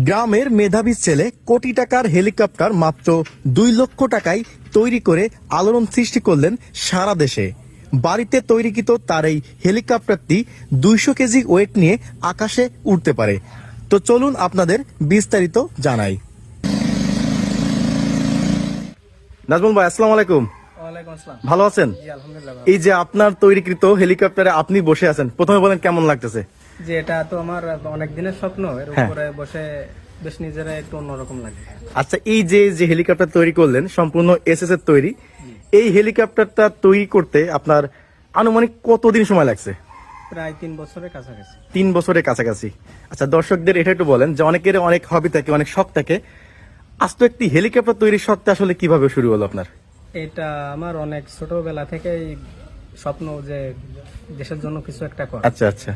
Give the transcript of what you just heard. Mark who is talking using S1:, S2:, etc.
S1: গ্রামের মেধাবী ছেলে কোটি টাকার হেলিকপ্টার মাত্র 2 লক্ষ টাকায় তৈরি করে আলোড়ন সৃষ্টি করলেন সারা দেশে। বাড়িতে তৈরিকৃত তার এই হেলিকপ্টারটি 200 কেজি ওয়েট নিয়ে আকাশে উড়তে পারে। তো চলুন আপনাদের বিস্তারিত জানাই। নাজমুল ভাই, আসসালামু আলাইকুম।
S2: ওয়ালাইকুম আসসালাম।
S1: ভালো আছেন?
S2: জি আলহামদুলিল্লাহ ভালো।
S1: এই যে আপনার তৈরিকৃত হেলিকপ্টারে আপনি বসে আছেন, প্রথমে বলেন কেমন লাগতেছে?
S2: যে এটা তো আমার অনেক দিনের স্বপ্ন, এর
S1: হ্যাঁ।
S2: উপরে বসে বেশ নিজেরা একটু অন্যরকম লাগে।
S1: আচ্ছা, এই যে যে হেলিকপ্টার তৈরি করলেন সম্পূর্ণ এসএস এর তৈরি, এই হেলিকপ্টারটা তৈরি করতে আপনার আনুমানিক কতদিন সময় লাগছে?
S2: প্রায় 3 বছরের কাছাকাছি।
S1: 3 বছরের কাছাকাছি। আচ্ছা, দর্শকদের এটা একটু বলেন যে অনেকের অনেক হবি থাকে, অনেক শখ থাকে। আজ তো একটি হেলিকপ্টার তৈরির শখটা আসলে কিভাবে শুরু হলো আপনার?
S2: এটা আমার অনেক ছোটবেলা থেকেই স্বপ্ন যে দেশের জন্য কিছু একটা করা।
S1: আচ্ছা আচ্ছা।